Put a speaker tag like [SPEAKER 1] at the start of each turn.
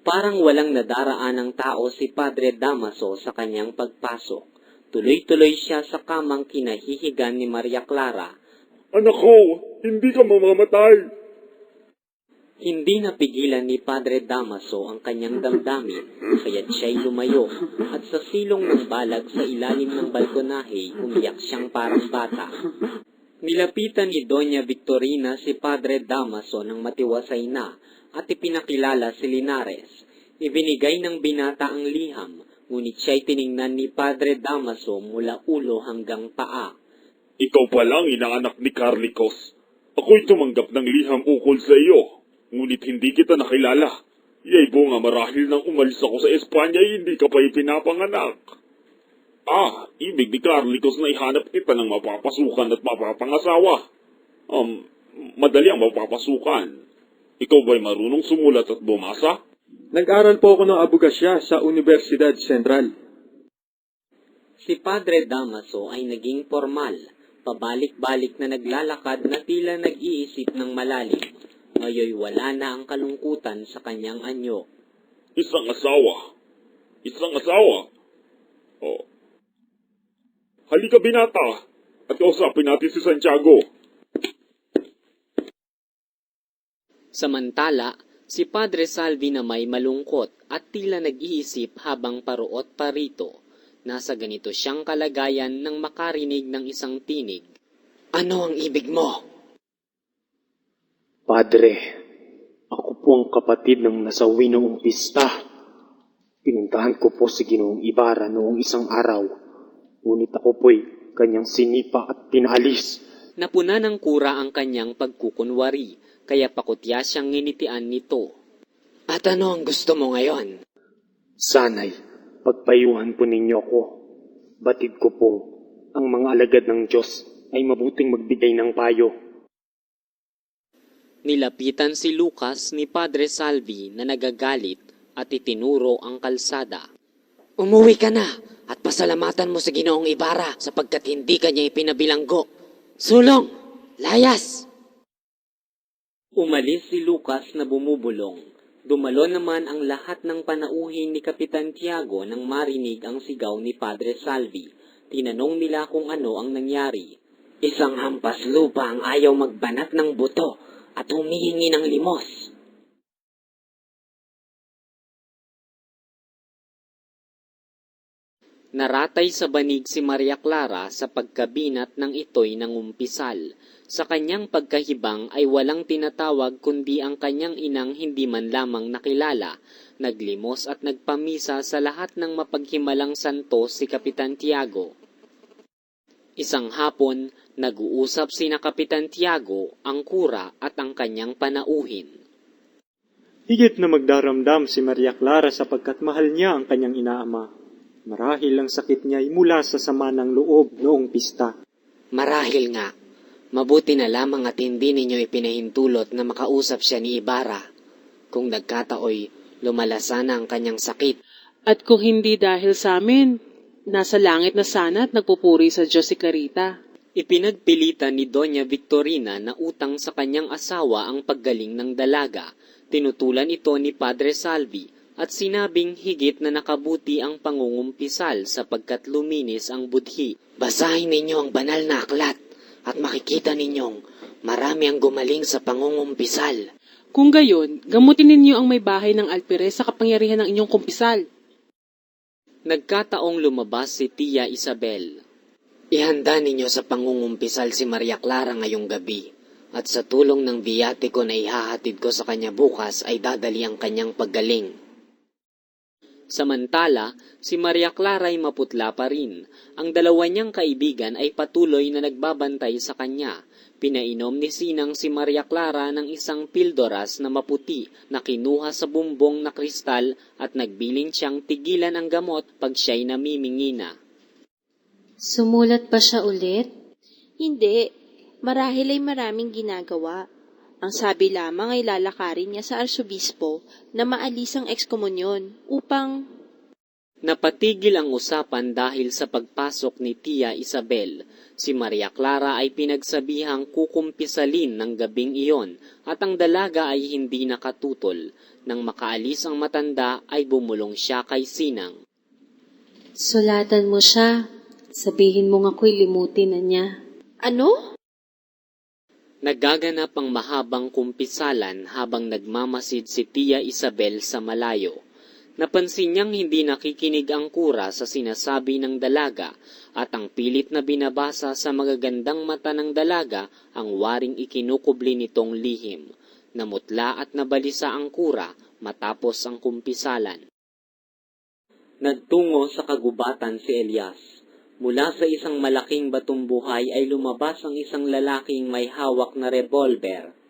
[SPEAKER 1] Parang walang nadaraan ng tao si Padre Damaso sa kanyang pagpasok. Tuloy-tuloy siya sa kamang kinahihigan ni Maria Clara.
[SPEAKER 2] Anak ko, hindi ka mamamatay.
[SPEAKER 1] Hindi napigilan ni Padre Damaso ang kanyang damdamin, kaya't siya'y lumayo, at sa silong ng balag sa ilalim ng balkonahe, umiyak siyang parang bata. Nilapitan ni Doña Victorina si Padre Damaso ng matiwasay na, at ipinakilala si Linares. Ibinigay ng binata ang liham, ngunit siya'y tiningnan ni Padre Damaso mula ulo hanggang paa.
[SPEAKER 2] Ikaw pa lang inaanak ni Carlicos. Ako'y tumanggap ng liham ukol sa iyo, ngunit hindi kita nakilala. Yay bunga marahil nang umalis ako sa Espanya, hindi ka pa ipinapanganak. Ibig ni Carlicos na ihanap kita ng mapapasukan at mapapangasawa. Madali ang mapapasukan. Ikaw ba'y marunong sumulat at bumasa?
[SPEAKER 3] Nag-aral po ako ng abogasya sa Universidad Central.
[SPEAKER 1] Si Padre Damaso ay naging formal, pabalik-balik na naglalakad na tila nag-iisip ng malalim. Ngayoy wala na ang kalungkutan sa kanyang anyo.
[SPEAKER 2] Isang asawa. Halika binata, at kausapin natin si Santiago.
[SPEAKER 1] Samantala, si Padre Salvi na may malungkot at tila nag-iisip habang paruot parito. Nasa ganito siyang kalagayan nang makarinig ng isang tinig. Ano ang ibig mo?
[SPEAKER 4] Padre, ako po ang kapatid ng nasawi noong pista. Pinuntahan ko po si Ginoong Ibarra noong isang araw. Ngunit ako po'y kanyang sinipa at pinalis.
[SPEAKER 1] Napuna ng kura ang kanyang pagkukunwari, kaya pakutya siyang nginitian nito. At ano ang gusto mo ngayon?
[SPEAKER 4] Sana'y pagpayuhan po ninyo ako. Batid ko pong ang mga alagad ng Diyos ay mabuting magbigay ng payo.
[SPEAKER 1] Nilapitan si Lucas ni Padre Salvi na nagagalit at itinuro ang kalsada. Umuwi ka na at pasalamatan mo sa Ginoong Ibarra sapagkat hindi ka niya ipinabilanggo. Sulong! Layas! Umalis si Lucas na bumubulong. Dumalo naman ang lahat ng panauhin ni Kapitan Tiago nang marinig ang sigaw ni Padre Salvi. Tinanong nila kung ano ang nangyari. Isang hampas lupa ang ayaw magbanat ng buto at humihingi ng limos. Naratay sa banig si Maria Clara sa pagkabinat ng ito'y nangumpisal. Sa kanyang pagkahibang ay walang tinatawag kundi ang kanyang inang hindi man lamang nakilala. Naglimos at nagpamisa sa lahat ng mapaghimalang santo si Kapitan Tiago. Isang hapon, nag-uusap sina Kapitan Tiago, ang kura at ang kanyang panauhin.
[SPEAKER 3] Higit na magdaramdam si Maria Clara sapagkat mahal niya ang kanyang inaama. Marahil ang sakit niya ay mula sa sama ng loob noong pista.
[SPEAKER 1] Marahil nga. Mabuti na lamang at hindi ninyo ipinahintulot na makausap siya ni Ibarra. Kung nagkataoy, lumala sana ang kanyang sakit.
[SPEAKER 5] At kung hindi dahil sa amin, nasa langit na sana at nagpupuri sa Diyos si Clarita.
[SPEAKER 1] Ipinagpilitan ni Doña Victorina na utang sa kanyang asawa ang paggaling ng dalaga. Tinutulan ito ni Padre Salvi at sinabing higit na nakabuti ang pangungumpisal sapagkat luminis ang budhi. Basahin ninyo ang banal na aklat at makikita ninyong marami ang gumaling sa pangungumpisal.
[SPEAKER 5] Kung gayon, gamutin ninyo ang may bahay ng alpires sa kapangyarihan ng inyong kumpisal.
[SPEAKER 1] Nagkataong lumabas si Tia Isabel. Ihanda ninyo sa pangungumpisal si Maria Clara ngayong gabi, at sa tulong ng biyatiko na ihahatid ko sa kanya bukas ay dadali ang kanyang paggaling. Samantala, si Maria Clara ay maputla pa rin. Ang dalawa niyang kaibigan ay patuloy na nagbabantay sa kanya. Pinainom ni Sinang si Maria Clara ng isang pildoras na maputi na kinuha sa bumbong na kristal at nagbilin siyang tigilan ang gamot pag siya'y namimingina.
[SPEAKER 6] Sumulat pa siya ulit?
[SPEAKER 7] Hindi. Marahil ay maraming ginagawa. Ang sabi lamang ay lalakarin niya sa arsobispo na maalis ang ekskomunyon upang...
[SPEAKER 1] Napatigil ang usapan dahil sa pagpasok ni Tia Isabel. Si Maria Clara ay pinagsabihang kukumpisalin ng gabing iyon at ang dalaga ay hindi nakatutol. Nang makaalis ang matanda ay bumulong siya kay Sinang.
[SPEAKER 6] Sulatan mo siya. Sabihin mong ako'y limutin na niya.
[SPEAKER 7] Ano?
[SPEAKER 1] Nagaganap ang mahabang kumpisalan habang nagmamasid si Tia Isabel sa malayo. Napansin niyang hindi nakikinig ang kura sa sinasabi ng dalaga at ang pilit na binabasa sa magagandang mata ng dalaga ang waring ikinukubli nitong lihim. Namutla at nabalisa ang kura matapos ang kumpisalan. Nagtungo sa kagubatan si Elias. Mula sa isang malaking batong buhay ay lumabas ang isang lalaking may hawak na revolver.